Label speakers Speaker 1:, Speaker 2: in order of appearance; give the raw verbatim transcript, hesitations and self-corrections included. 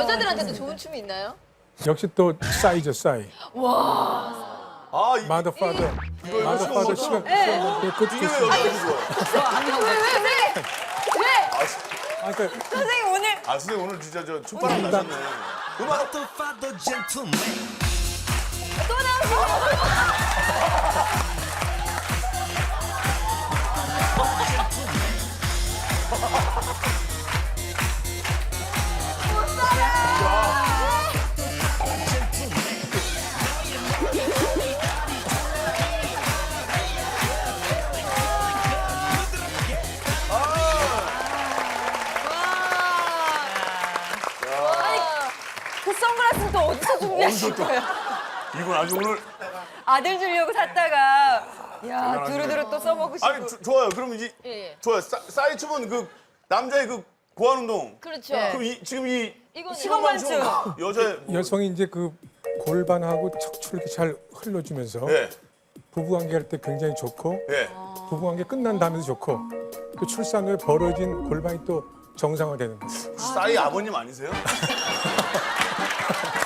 Speaker 1: 여자들한테도 좋은 춤이 있나요?
Speaker 2: 역시 또 싸이죠, 싸이.
Speaker 3: 아, 이,
Speaker 2: 마더 파더. 마더
Speaker 3: 이거
Speaker 2: 파더
Speaker 3: 이거
Speaker 2: 시간.
Speaker 1: 네.
Speaker 2: 그것도
Speaker 3: 이게 왜
Speaker 2: 좋습니다.
Speaker 3: 여자들이 좋아?
Speaker 1: 왜, 왜, 왜? 왜?
Speaker 3: 아,
Speaker 2: 아, 그러니까
Speaker 1: 선생님 오늘
Speaker 3: 아, 선생님 오늘 진짜 저 춤바람 나셨네. 음악
Speaker 1: 또 나오시네. 그 선글라스는 또 어디서 준비하신 거예요?
Speaker 3: 이건 아주 오늘
Speaker 1: 아들 주려고 샀다가 야 두루두루 또 써먹으시고.
Speaker 3: 아니 조- 좋아요. 그럼 이제
Speaker 1: 예, 예.
Speaker 3: 좋아요. 싸, 싸이 춤은 그 남자의 그 고안 운동.
Speaker 1: 그렇죠.
Speaker 3: 그럼 이, 지금 이
Speaker 1: 이건
Speaker 3: 시건반춤
Speaker 1: 시건반춤.
Speaker 3: 여자의 뭐,
Speaker 2: 여성이 이제 그 골반하고 척추를 이렇게 잘 흘러주면서
Speaker 3: 예,
Speaker 2: 부부관계 할 때 굉장히 좋고
Speaker 3: 예.
Speaker 2: 부부관계 끝난 다음에도 좋고 그 출산 후에 벌어진 골반이 또 정상화되는 거예요.
Speaker 3: 싸이 아버님 아니세요?